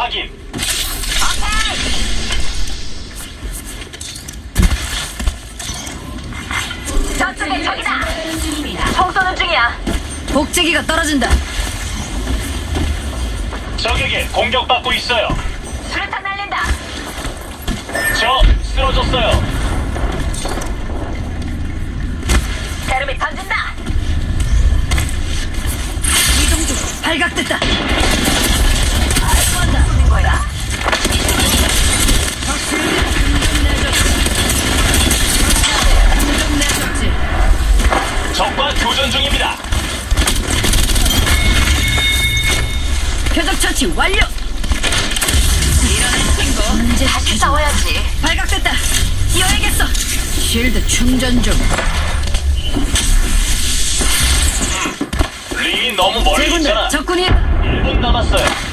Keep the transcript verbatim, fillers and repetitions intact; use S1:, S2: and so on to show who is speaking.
S1: 확인.
S2: 저쪽에 적이다. 총 쏘는 중이야.
S3: 복제기가 떨어진다.
S1: 적에게 공격받고 있어요.
S2: 수류탄 날린다.
S1: 저 쓰러졌어요.
S2: 테르미 던진다.
S3: 이동 중. 발각됐다.
S2: 쏘는 거야.
S3: 공격 내줬지.
S1: 적과 교전 중입니다.
S3: 표적 처치 완료. 이런 친구. 문제
S2: 다시 싸워야지.
S3: 발각됐다. 뛰어야겠어. 쉴드 충전 중.
S1: 링이 너무 멀리
S3: 제군들
S1: 있잖아.
S3: 적군이
S1: 일 분 남았어요.